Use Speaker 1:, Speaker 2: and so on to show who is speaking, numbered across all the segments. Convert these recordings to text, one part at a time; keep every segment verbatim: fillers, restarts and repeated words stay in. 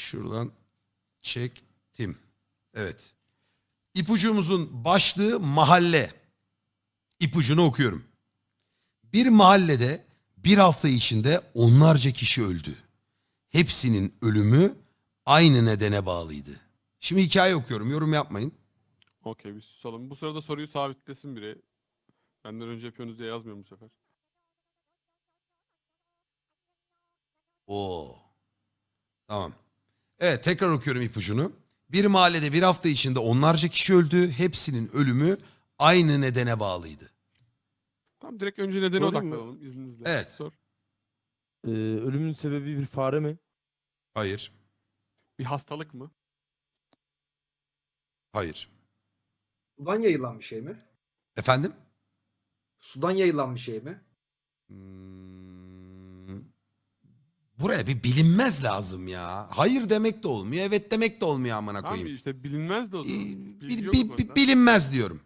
Speaker 1: Şuradan çektim. Evet. İpucumuzun başlığı mahalle. İpucunu okuyorum. Bir mahallede bir hafta içinde onlarca kişi öldü. Hepsinin ölümü aynı nedene bağlıydı. Şimdi hikaye okuyorum, yorum yapmayın.
Speaker 2: Okey, bir susalım. Bu sırada soruyu sabitlesin biri. Benden önce yapıyorsunuz diye yazmıyorum bu sefer.
Speaker 1: Oo. Tamam. Evet, tekrar okuyorum ipucunu. Bir mahallede bir hafta içinde onlarca kişi öldü. Hepsinin ölümü aynı nedene bağlıydı.
Speaker 2: Tamam, direkt önce nedene
Speaker 3: Sorayım mı?
Speaker 2: odaklanalım izninizle.
Speaker 1: Evet.
Speaker 2: Sor.
Speaker 3: Ee, ölümün sebebi bir fare mi?
Speaker 1: Hayır.
Speaker 2: Bir hastalık mı?
Speaker 1: Hayır.
Speaker 4: Sudan yayılan bir şey mi?
Speaker 1: Efendim?
Speaker 4: Sudan yayılan bir şey mi?
Speaker 1: Hmm, buraya bir bilinmez lazım ya. Hayır demek de olmuyor, evet demek de olmuyor amına
Speaker 2: Tamam
Speaker 1: koyayım.
Speaker 2: işte bilinmez de o zaman.
Speaker 1: Ee,
Speaker 2: Bilgi
Speaker 1: bi-
Speaker 2: yok
Speaker 1: bi-
Speaker 2: o
Speaker 1: bi-
Speaker 2: konuda.
Speaker 1: bilinmez diyorum.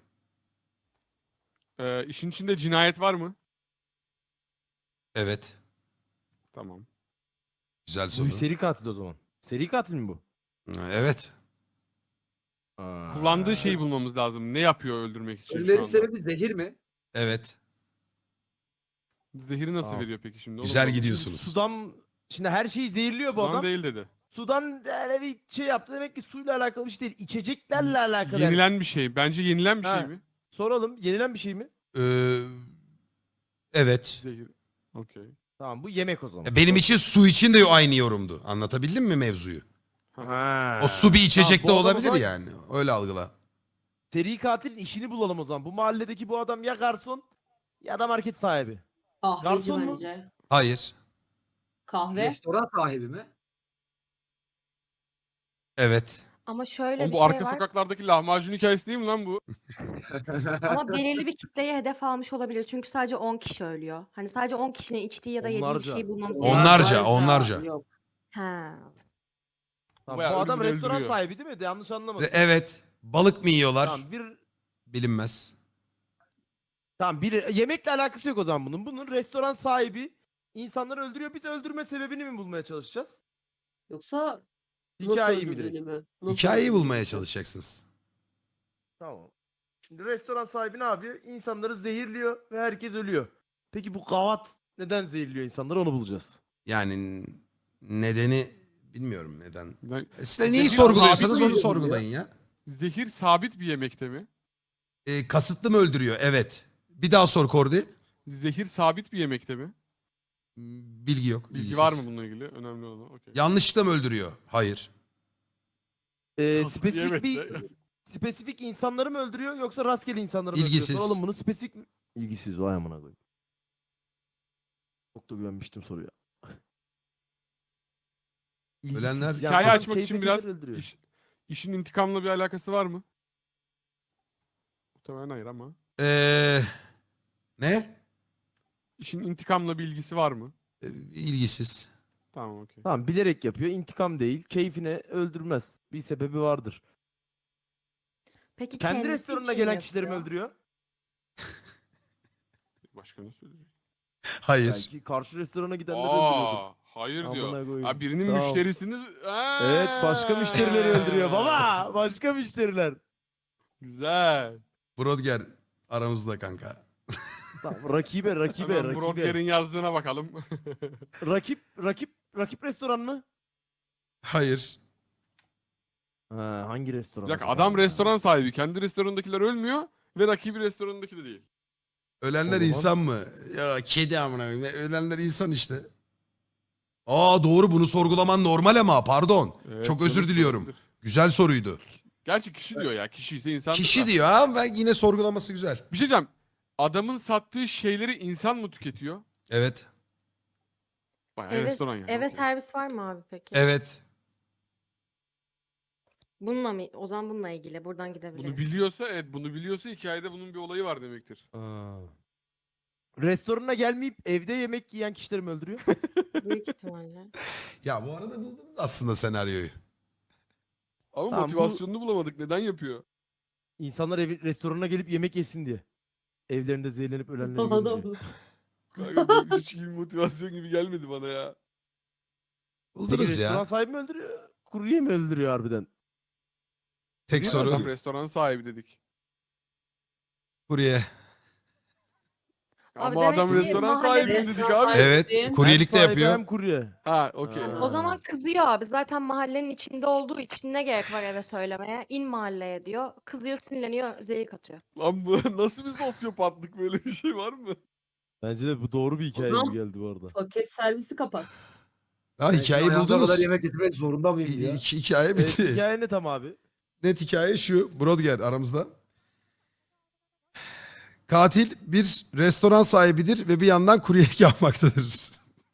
Speaker 2: Ee, işin içinde cinayet var mı?
Speaker 1: Evet.
Speaker 2: Tamam.
Speaker 1: Güzel
Speaker 3: Bu
Speaker 1: soru.
Speaker 3: bir seri katil o zaman. Seri katil mi bu?
Speaker 1: Evet.
Speaker 3: Aa.
Speaker 2: Kullandığı şeyi bulmamız lazım. Ne yapıyor öldürmek için şu
Speaker 4: Ölülerin
Speaker 2: anda?
Speaker 4: sebebi zehir mi?
Speaker 1: Evet.
Speaker 2: Zehiri nasıl
Speaker 3: Tamam.
Speaker 2: veriyor peki şimdi? Onu
Speaker 1: Güzel
Speaker 2: bulalım.
Speaker 1: gidiyorsunuz.
Speaker 3: Sudan şimdi her şeyi zehirliyor bu
Speaker 2: Sudan
Speaker 3: adam.
Speaker 2: değil dedi.
Speaker 3: Sudan öyle bir şey yaptı. Demek ki suyla alakalı bir şey değil. İçeceklerle alakalı. yani.
Speaker 2: Yenilen bir şey. Bence yenilen bir
Speaker 3: Ha.
Speaker 2: şey mi?
Speaker 3: Soralım. Yenilen bir şey mi?
Speaker 1: Ee, evet.
Speaker 2: Zehir. Okey.
Speaker 3: Tamam bu yemek o zaman.
Speaker 1: Benim için su için de aynı yorumdu. Anlatabildim mi mevzuyu?
Speaker 3: Ha.
Speaker 1: O su bir içecek de
Speaker 3: Tamam, bu adam o
Speaker 1: olabilir
Speaker 3: zaman
Speaker 1: yani. Öyle algıla.
Speaker 3: Seri katilin işini bulalım o zaman. Bu mahalledeki bu adam ya garson ya da market sahibi.
Speaker 5: Kahveci
Speaker 3: Garson mu?
Speaker 5: bence.
Speaker 1: Hayır.
Speaker 5: Kahve.
Speaker 4: Restoran sahibi mi?
Speaker 1: Evet.
Speaker 6: Ama şöyle
Speaker 2: Oğlum
Speaker 6: bir
Speaker 2: bu
Speaker 6: şey
Speaker 2: arka
Speaker 6: var.
Speaker 2: sokaklardaki lahmacun hikayesi değil mi lan bu?
Speaker 6: Ama belirli bir kitleye hedef almış olabilir. Çünkü sadece on kişi ölüyor. Hani sadece on kişinin içtiği ya da yediği bir
Speaker 3: Onlarca.
Speaker 6: şey bulmamız
Speaker 1: Onlarca,
Speaker 6: gerekiyor.
Speaker 1: onlarca.
Speaker 5: Yok.
Speaker 6: Ha.
Speaker 3: Tamam,
Speaker 2: Bayağı
Speaker 3: bu adam
Speaker 2: ölümünü
Speaker 3: restoran
Speaker 2: öldürüyor.
Speaker 3: sahibi değil mi? Yanlış anlamadım.
Speaker 1: Ve evet. Balık mı yiyorlar?
Speaker 3: Tamam bir
Speaker 1: Bilinmez.
Speaker 3: tamam bir yemekle alakası yok o zaman bunun. Bunun restoran sahibi insanları öldürüyor. Biz öldürme sebebini mi bulmaya çalışacağız?
Speaker 5: Yoksa
Speaker 3: Hikayeyi
Speaker 5: nasıl
Speaker 3: mi direkt?
Speaker 5: öldürdüğünü mü? Nasıl
Speaker 1: Hikayeyi
Speaker 5: öldürdüğünü
Speaker 1: bulmaya
Speaker 5: mü?
Speaker 1: çalışacaksınız.
Speaker 3: Tamam. Şimdi restoran sahibi ne yapıyor? İnsanları zehirliyor ve herkes ölüyor. Peki bu gavat neden zehirliyor insanları onu bulacağız.
Speaker 1: Yani nedeni bilmiyorum neden.
Speaker 2: Ben-
Speaker 1: E Size neyi
Speaker 2: Zehir
Speaker 1: sorguluyorsanız
Speaker 2: sabit
Speaker 1: onu
Speaker 2: mi
Speaker 1: sorgulayın ya.
Speaker 2: Zehir sabit bir yemekte mi?
Speaker 1: E, kasıtlı mı öldürüyor? Evet. Bir daha sor Kordi.
Speaker 2: Zehir sabit bir yemekte mi?
Speaker 1: Bilgi yok.
Speaker 2: Bilgi
Speaker 1: bilgisiz.
Speaker 2: var mı bununla ilgili? Önemli olan. Okey.
Speaker 1: Yanlışlıkla mı öldürüyor? Hayır.
Speaker 3: Ee,
Speaker 2: Kasıtlı
Speaker 3: spesifik bir
Speaker 2: yemekse.
Speaker 3: spesifik insanları mı öldürüyor yoksa rastgele insanları mı
Speaker 1: İlgisiz.
Speaker 3: öldürüyor? Soralım bunu spesifik mi? İlgisiz vay amına koyayım. Çok da güvenmiştim soruya. İlgisiz.
Speaker 1: Ölenler-
Speaker 3: Yani
Speaker 2: Hikaye
Speaker 3: kadın
Speaker 2: açmak için
Speaker 3: keyfe
Speaker 2: biraz
Speaker 3: keder öldürüyor.
Speaker 2: iş, işin intikamla bir alakası var mı? Muhtemelen hayır ama.
Speaker 1: Ee, ne?
Speaker 2: İşin intikamla bir ilgisi var mı?
Speaker 1: E, ilgisiz.
Speaker 2: Tamam okey.
Speaker 3: Tamam bilerek yapıyor. İntikam değil. Keyfine öldürmez. Bir sebebi vardır.
Speaker 6: Peki
Speaker 3: Kendi
Speaker 6: kendisi
Speaker 3: restoranına
Speaker 6: için
Speaker 3: gelen
Speaker 6: mi
Speaker 3: kişileri mi
Speaker 6: yapıyor?
Speaker 3: öldürüyor?
Speaker 2: Başka ne söyleyecek?
Speaker 1: Hayır.
Speaker 3: Belki karşı restorana gidenleri öldürüyordur.
Speaker 2: Aa, hayır
Speaker 3: Amına
Speaker 2: diyor.
Speaker 3: koyayım.
Speaker 2: Ha, birinin
Speaker 3: Tamam.
Speaker 2: müşterisini... Aa!
Speaker 3: Evet başka müşterileri öldürüyor baba. Başka müşteriler.
Speaker 2: Güzel.
Speaker 1: Brodger aramızda kanka.
Speaker 3: Tamam, rakibe rakibe
Speaker 2: Hemen
Speaker 3: rakibe.
Speaker 2: Brodger'in yazdığına bakalım.
Speaker 3: Rakip rakip rakip restoran mı?
Speaker 1: Hayır.
Speaker 3: Ha, hangi restoran?
Speaker 2: Bir dakika
Speaker 3: acaba
Speaker 2: adam
Speaker 3: ya?
Speaker 2: restoran sahibi. Kendi restoranındakiler ölmüyor ve rakibi restoranındaki de değil.
Speaker 1: Ölenler
Speaker 3: O zaman-
Speaker 1: insan mı? Ya kedi amına koyayım. Ölenler insan işte. Aa doğru, bunu sorgulaman normal ama pardon.
Speaker 2: Evet,
Speaker 1: Çok özür
Speaker 2: canım,
Speaker 1: diliyorum.
Speaker 2: olabilir.
Speaker 1: Güzel soruydu.
Speaker 2: Gerçi kişi diyor ya. Kişi ise insan.
Speaker 1: Kişi diyor ha, ben yine sorgulaması güzel.
Speaker 2: Bir şey diyeceğim. Adamın sattığı şeyleri insan mı tüketiyor?
Speaker 1: Evet.
Speaker 2: Bayağı
Speaker 6: Eve,
Speaker 2: restoran yani.
Speaker 6: eve
Speaker 2: okey.
Speaker 6: servis var mı abi peki?
Speaker 1: Evet.
Speaker 6: Bununla mı? O zaman bununla ilgili. Buradan gidebiliriz.
Speaker 2: Bunu biliyorsa evet bunu biliyorsa hikayede bunun bir olayı var demektir.
Speaker 3: Aa. Restorana gelmeyip evde yemek yiyen kişileri mi öldürüyor?
Speaker 6: Büyük ihtimalle.
Speaker 1: Ya bu arada buldunuz aslında senaryoyu.
Speaker 2: Ama
Speaker 3: Tamam, bu-
Speaker 2: motivasyonunu bulamadık. Neden yapıyor?
Speaker 3: İnsanlar evi, restoranına gelip yemek yesin diye. Evlerinde zehirlenip ölenleri görünce.
Speaker 5: Adam.
Speaker 2: Kanka bu hiç gibi motivasyon gibi gelmedi bana ya.
Speaker 3: Peki
Speaker 1: Buldunuz
Speaker 3: restoran
Speaker 1: ya.
Speaker 3: sahibi mi öldürüyor? kurye mi öldürüyor harbiden?
Speaker 1: Tek
Speaker 3: Değil mi
Speaker 2: Adam
Speaker 1: soru
Speaker 2: restoran sahibi dedik.
Speaker 1: kurye.
Speaker 6: Abi
Speaker 2: Ama
Speaker 6: demek
Speaker 2: adam
Speaker 6: ki
Speaker 2: restoran sahibi
Speaker 6: mahallede-
Speaker 2: dedik abi.
Speaker 1: Evet
Speaker 5: Hem
Speaker 1: kuryelik de
Speaker 3: Hem sahibi
Speaker 1: yapıyor.
Speaker 3: Hem kurye.
Speaker 2: Ha okey.
Speaker 3: Ha.
Speaker 6: O zaman kızıyor abi. Zaten mahallenin içinde olduğu için ne gerek var eve söylemeye? İn mahalleye diyor. Kızıyor, sinirleniyor, zehir katıyor.
Speaker 2: Lan bu nasıl bir sosyopatlık, böyle bir şey var mı?
Speaker 3: Bence de bu doğru bir hikaye
Speaker 5: zaman-
Speaker 3: gibi geldi bu arada.
Speaker 5: paket servisi kapat.
Speaker 1: Ha
Speaker 4: Ben
Speaker 1: hikayeyi
Speaker 4: şimdi hayatıma
Speaker 1: buldunuz.
Speaker 4: kadar yemek getirmek zorunda mıyım
Speaker 1: İ-
Speaker 4: ya?
Speaker 1: iki- hikaye
Speaker 3: Evet,
Speaker 1: bitti.
Speaker 3: hikaye ne tam abi?
Speaker 1: Net hikaye şu. Brodger aramızda. Katil bir restoran sahibidir ve bir yandan kuryelik yapmaktadır.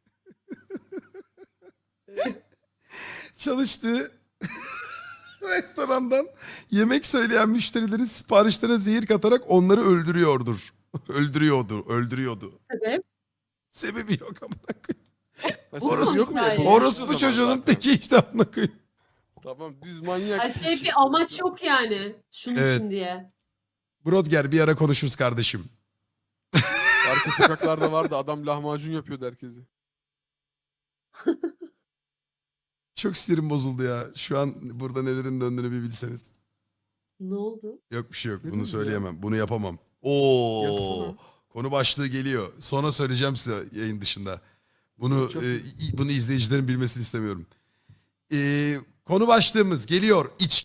Speaker 1: Çalıştığı restorandan yemek söyleyen müşterilerin siparişlerine zehir katarak onları öldürüyordur. Öldürüyordu, öldürüyordu.
Speaker 5: Sebep?
Speaker 1: Sebebi yok amına koyayım.
Speaker 2: Mesela
Speaker 1: Orospu-
Speaker 2: yok mu?
Speaker 5: hikaye.
Speaker 2: Yapılmış o
Speaker 1: Orospu
Speaker 2: zaman
Speaker 1: çocuğunun
Speaker 2: zaten.
Speaker 1: teki işte amına koyayım.
Speaker 2: Tamam, düz manyak.
Speaker 5: Her şey bir amaç yok yani. Şunun
Speaker 1: Evet.
Speaker 5: için diye.
Speaker 1: Brodger bir ara konuşuruz kardeşim.
Speaker 2: Arka sokaklarda vardı, adam lahmacun yapıyordu herkesi.
Speaker 1: Çok sinirim bozuldu ya. Şu an burada nelerin döndüğünü bir bilseniz.
Speaker 5: Ne oldu?
Speaker 1: Yok bir şey yok.
Speaker 2: Ne
Speaker 1: Bunu
Speaker 2: dedi ya?
Speaker 1: söyleyemem. Bunu yapamam. Oo.
Speaker 2: Yazsana.
Speaker 1: Konu başlığı geliyor. Sonra söyleyeceğim size yayın dışında. Bunu
Speaker 2: Çok-
Speaker 1: e, i- bunu izleyicilerin bilmesini istemiyorum. E, konu başlığımız geliyor. İç